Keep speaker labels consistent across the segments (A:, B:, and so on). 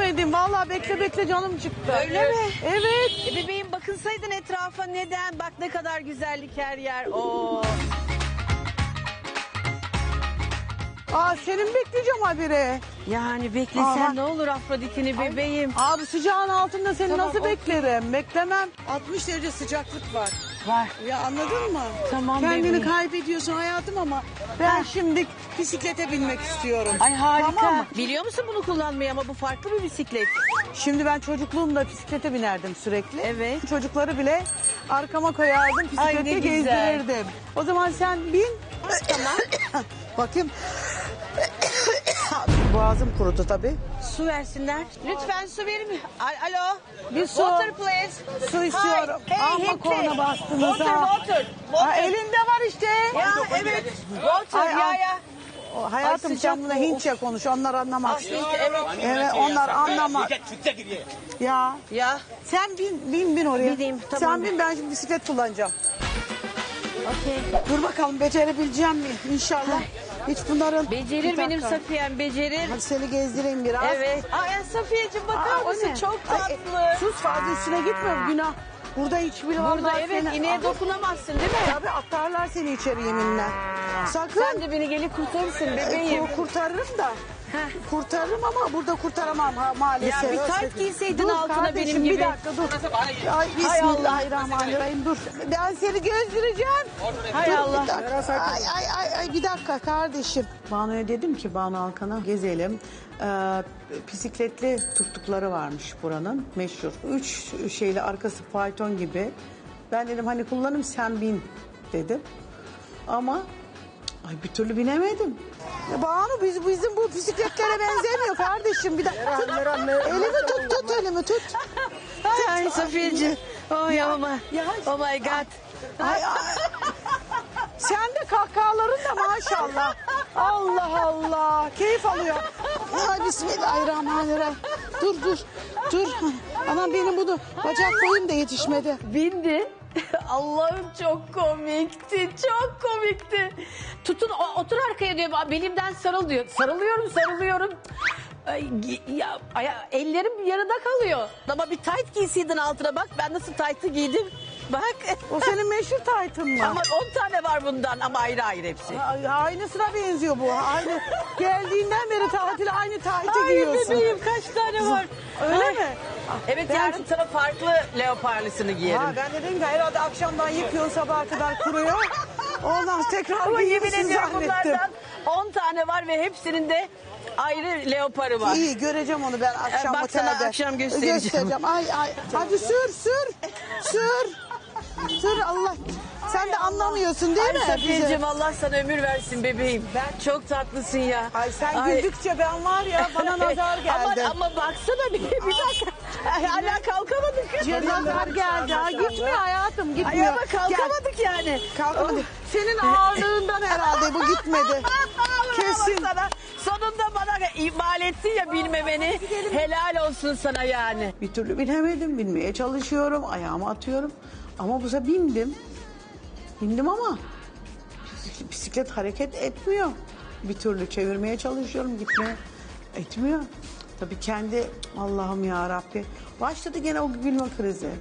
A: binmedim. Vallahi bekle bekle canım çıktı.
B: Öyle mi?
A: Evet.
B: Bebeğim bakınsaydın etrafa neden? Bak ne kadar güzellik her yer. Oo.
A: Aa senin bekleyeceğim habire.
B: Yani beklesen
A: Aa,
B: ne olur Afrodit'ini bebeğim.
A: Abi sıcağın altında seni
B: Tamam,
A: nasıl
B: okey.
A: beklerim? Beklemem. 60 derece sıcaklık var.
B: Var.
A: Ya anladın mı?
B: Tamam
A: Kendini
B: bebeğim.
A: kaybediyorsun hayatım ama ben şimdi bisiklete binmek istiyorum.
B: Ay harika.
A: Tamam mı?
B: Biliyor musun bunu kullanmayı ama bu farklı bir bisiklet.
A: Şimdi ben çocukluğumda bisiklete binerdim sürekli.
B: Evet.
A: Çocukları bile arkama koyardım,
B: Ay,
A: bisiklete
B: ne güzel.
A: gezdirirdim. O zaman sen bin.
B: Tamam.
A: Bakayım. Boğazım kurudu tabii.
B: Su versinler. Lütfen su verir mi? Alo.
A: Bir su.
B: Water please.
A: Su istiyorum.
B: Hi. Hey,
A: Amma
B: Hintli.
A: korna bastınız
B: Water,
A: ha.
B: water.
A: Ha, elinde var işte.
B: Ya evet. Water
A: Ay,
B: ya
A: ay.
B: ya.
A: Hayatım
B: Ay,
A: sen
B: sıcak
A: buna
B: bu.
A: Hintçe konuş. Onlar anlamaz.
B: Evet.
A: Evet onlar anlamaz. Ya.
B: Ya.
A: Sen bin oraya.
B: Bineyim, tamam.
A: Sen bin ben şimdi bisiklet kullanacağım.
B: Okey.
A: Dur bakalım becerebileceğim mi? İnşallah. Hiç bunların...
B: Becerir
A: Bir
B: benim
A: dakika.
B: Safiyem becerir.
A: Hadi seni gezdireyim biraz.
B: Evet. Ay Safiyeciğim bakar
A: Aa, o
B: mısın?
A: ne?
B: Çok
A: Ay,
B: tatlı.
A: sus fazla üstüne gitme günah. Burada hiçbir
B: Burada
A: vallahi
B: evet
A: seni-
B: ineğe
A: Aa,
B: dokunamazsın değil mi?
A: Tabii atarlar seni içeri yeminle. Sakın.
B: Sen de beni gelip kurtarırsın bebeğim.
A: Kurtarırım da.
B: Heh.
A: Kurtarırım ama burada kurtaramam maalesef.
B: Ya bir tayt giyseydin
A: Dur
B: altına
A: kardeşim,
B: benim gibi.
A: Bir dakika dur. Ay bismillahirrahmanirrahim dur. Ben seni gezdireceğim.
B: Hay
A: Dur,
B: Allah.
A: bir dakika. Ay bir dakika kardeşim. Banu'ya dedim ki Banu Alkan'a gezelim. Bisikletli tuttukları varmış buranın meşhur. 3 şeyli arkası fayton gibi. Ben dedim hani kullanım sen bin dedim. Ama ay bir türlü binemedim. Ya Banu bizim bu bisikletlere benzemiyor kardeşim. Bir dakika. Elimi tut elimi tut.
B: Ay Safiyeciğim. Oh ya Oh my God.
A: Ay. Sen de kahkahaların da maşallah. Allah Allah. Keyif alıyor. Ay bismillahirrahmanirrahim. Dur. Anam benim bunu bacak boyum da yetişmedi.
B: Bindi. Allah'ım çok komikti. Çok komikti. Tutun otur arkaya diyor. Belimden sarıl diyor. Sarılıyorum. Ay, ellerim yarıda kalıyor. Ama bir tayt giysiydin altına bak. Ben nasıl taytı giydim. Bak.
A: O senin meşhur taytın mı?
B: Ama 10 tane var bundan ama ayrı hepsi.
A: Aynısına benziyor bu. Aynı geldiğinden beri tatile aynı taytı
B: Ay
A: giyiyorsun.
B: bebeğim kaç tane var.
A: Öyle
B: Ay.
A: mi?
B: Evet
A: Ben-
B: yarın sana farklı leoparlısını giyerim.
A: Ha, ben de dedim ki herhalde akşamdan yıkıyorsun sabaha kadar kuruyor. Ondan tekrar
B: Ama yemin
A: giyiyorsun
B: ediyorum
A: zannettim.
B: bunlardan 10 tane var ve hepsinin de ayrı leoparı var.
A: İyi göreceğim onu ben akşam
B: Bak sana
A: otelde.
B: akşam göstereceğim.
A: Ay hadi sür Allah. Sen de anlamıyorsun değil mi?
B: Safiyeciğim Allah sana ömür versin bebeğim. Çok tatlısın ya.
A: Ay sen güldükçe ben var ya bana nazar geldi.
B: Ama baksana bir dakika. Hala kalkamadık.
A: Nazar geldi. Ha, gitmiyor hayatım
B: Ay
A: gitmiyor.
B: ama kalkamadık yani.
A: Kalkamadık. Senin ağırlığından herhalde bu gitmedi. Kesin.
B: Sana, sonunda bana ihmal ettin ya bilmemeni. Helal olsun sana yani.
A: Bir türlü binemedim. Binmeye çalışıyorum. Ayağımı atıyorum. Ama bu sefer bindim. Bindim ama bisiklet hareket etmiyor. Bir türlü çevirmeye çalışıyorum. Gitmeye etmiyor. Tabii kendi Allah'ım ya Rabbi. Başladı gene o gülme krizi.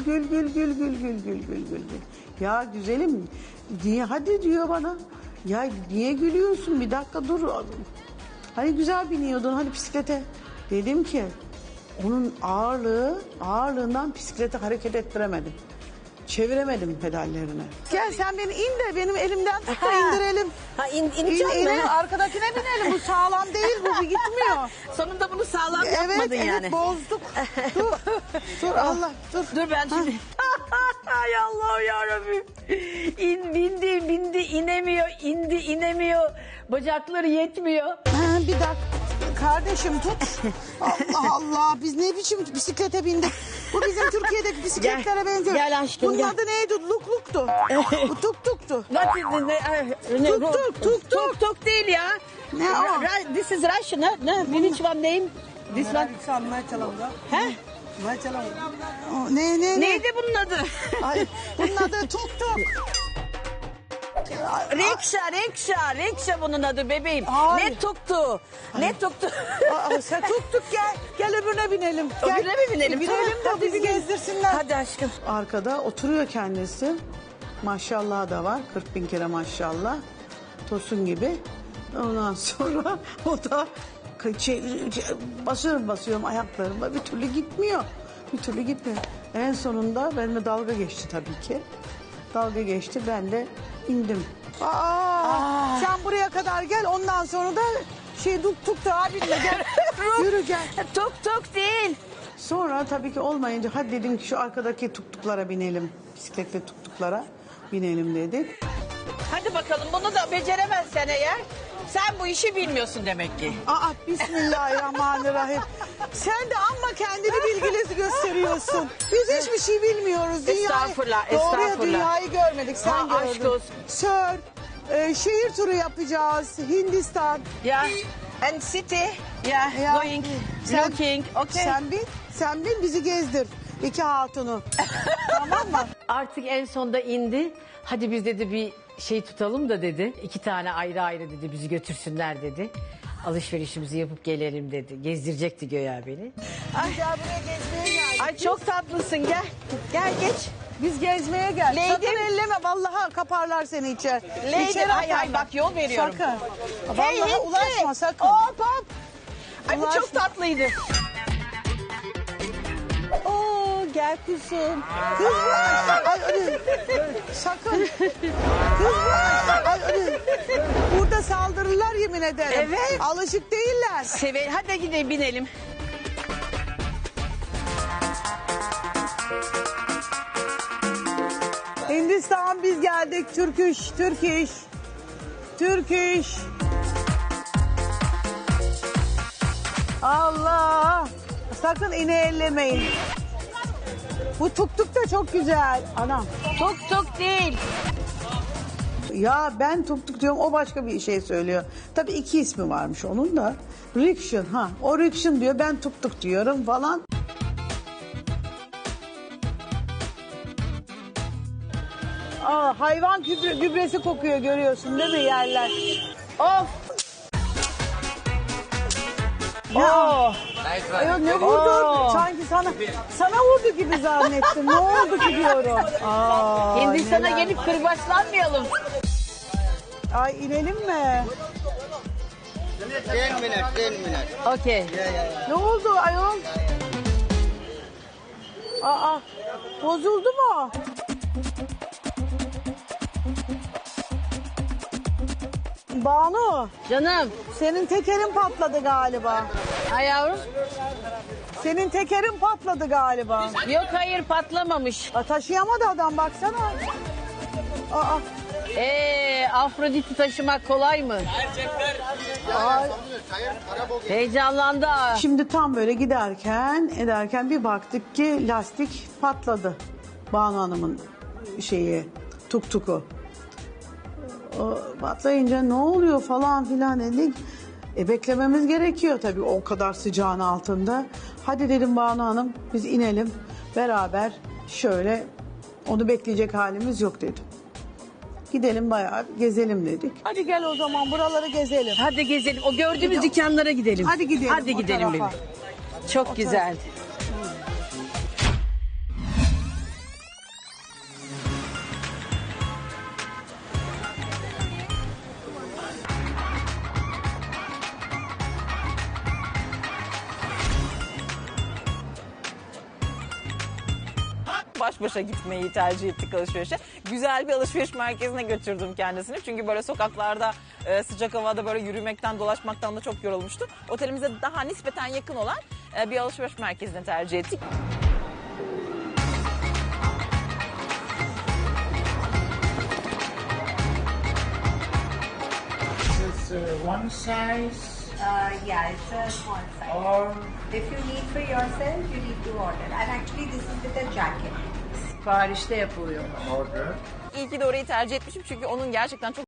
A: Gül. Ya güzelim niye hadi diyor bana. Ya niye gülüyorsun bir dakika dur. Hani güzel biniyordun hani bisiklete. Dedim ki onun ağırlığından bisikleti hareket ettiremedim. Çeviremedim pedallerini. Gel sen beni in de benim elimden tut da indirelim.
B: Ha ineceğim mi?
A: Arkadakine binelim. Bu sağlam değil bu gitmiyor.
B: Sonunda bunu sağlam yapmadın
A: Evet
B: yani.
A: bozduk. Dur Allah dur.
B: Dur ben şimdi. Ay Allah'ım yarabbim. Bindi inemiyor. İnemiyor. Bacakları yetmiyor.
A: Bir dakika. Kardeşim tut. Allah Allah biz ne biçim bisiklete bindik. Bu bizim Türkiye'deki bisikletlere benziyor.
B: Gel aşkım,
A: Bunun
B: gel.
A: adı neydi? Lukluktu. Bu tuk-tuktu.
B: Tuk değil ya.
A: Ne o?
B: This is Russian. Which one name? This one. He?
A: Ne?
B: Neydi bunun adı?
A: Ay, bunun adı tuk-tuk.
B: Rikşa bunun adı bebeğim.
A: Hayır.
B: Ne tuktu? Ne tuktu?
A: Sen tuttuk gel. Gel öbürüne binelim. Gel.
B: Öbürüne mi binelim?
A: Binelim
B: Tamam,
A: de bizi gezdirsinler.
B: Hadi aşkım.
A: Arkada oturuyor kendisi. Maşallah da var. 40 bin kere maşallah. Tosun gibi. Ondan sonra o da basıyorum ayaklarıma. Bir türlü gitmiyor. Bir türlü gitmiyor. En sonunda benimle dalga geçti tabii ki. Dalga geçti. Ben de indim. Sen buraya kadar gel. Ondan sonra da tuk da abinle gel. Yürü gel.
B: Tuk değil.
A: Sonra tabii ki olmayınca hadi dedim ki şu arkadaki tuktuklara binelim. Bisikletle tuktuklara binelim dedik.
B: Hadi bakalım bunu da beceremezsen eğer sen bu işi bilmiyorsun demek ki.
A: Bismillahirrahmanirrahim. Sen de amma kendini bilgili gösteriyorsun. Biz hiçbir şey bilmiyoruz.
B: Estağfurullah,
A: Doğruya
B: estağfurullah.
A: dünyayı görmedik. Sen
B: Aşk
A: gördün.
B: olsun.
A: Sör, şehir turu yapacağız. Hindistan.
B: Ya. And city. Ya. Going. Looking. Okay.
A: Sen bin bizi gezdir. İki hatunu. Tamam mı?
B: Artık en sonda indi. Hadi biz dedi bir şey tutalım da dedi. 2 tane ayrı ayrı dedi bizi götürsünler dedi. Alışverişimizi yapıp gelelim dedi. Gezdirecekti göya beni.
A: Gel buraya gezmeye geldik.
B: Ay çok tatlısın gel. Gel geç.
A: Biz gezmeye gel.
B: Lady-
A: Sakın elleme vallahi kaparlar seni içeri.
B: Lady,
A: İçeri
B: ay, ay,
A: atarlar.
B: bak yol veriyorum.
A: Sakın.
B: Hey,
A: Vallahi
B: Hintli.
A: ulaşma sakın.
B: Hop hop. Ay bu
A: Ulaşma.
B: çok tatlıydı.
A: Oo gel kuzum. Kızlar. Ay, sakın. Kızlar. Ay, burada saldırırlar yemin ederim.
B: Evet.
A: Alışık değiller.
B: Hadi gidelim binelim.
A: Hindistan biz geldik. Türk iş. Allah. Sakın iğne ellemeyin. Bu tuk da çok güzel. Anam.
B: Tuk değil.
A: Ya ben tuk diyorum o başka bir şey söylüyor. Tabii 2 ismi varmış onun da. Rikshan o rikshan diyor ben tuk diyorum falan. Hayvan gübresi kokuyor görüyorsun değil mi yerler?
B: Of.
A: Ya. Ya ne vurdu? Sanki sana vurdu gibi zannettim. Ne oldu ki diyorum.
B: Hindistan'a
A: neler.
B: gelip kırbaçlanmayalım.
A: Ay inelim mi?
C: 10 minutes.
B: Okey.
A: Ne oldu ayol? Bozuldu mu? Banu,
B: Canım.
A: senin tekerin patladı galiba.
B: Ay yavrum.
A: Senin tekerin patladı galiba.
B: Yok hayır patlamamış.
A: Taşıyamadı adam baksana.
B: Afrodit'i taşımak kolay mı? Heyecanlandı ha.
A: Şimdi tam böyle ederken bir baktık ki lastik patladı. Banu Hanım'ın tuktuku. O patlayınca ne oluyor falan filan dedik. Beklememiz gerekiyor tabii o kadar sıcağın altında. Hadi dedim Banu Hanım biz inelim beraber şöyle onu bekleyecek halimiz yok dedim. Gidelim bayağı gezelim dedik. Hadi gel o zaman buraları gezelim.
B: Hadi gezelim. O gördüğümüz dükkanlara gidelim.
A: Hadi gidelim.
B: Hadi
A: o
B: gidelim benim.
A: tarafa.
B: Çok güzeldi.
D: Baş başa gitmeyi tercih ettik alışverişe. Güzel bir alışveriş merkezine götürdüm kendisini. Çünkü böyle sokaklarda sıcak havada böyle yürümekten, dolaşmaktan da çok yorulmuştu. Otelimize daha nispeten yakın olan bir alışveriş merkezine tercih ettik.
E: One size
F: Yeah, it's a small size.
E: or
F: If you need for yourself, you need to order. And actually this is with a jacket.
B: Siparişte yapılıyor.
E: order.
D: İyi ki de orayı tercih etmişim çünkü onun gerçekten çok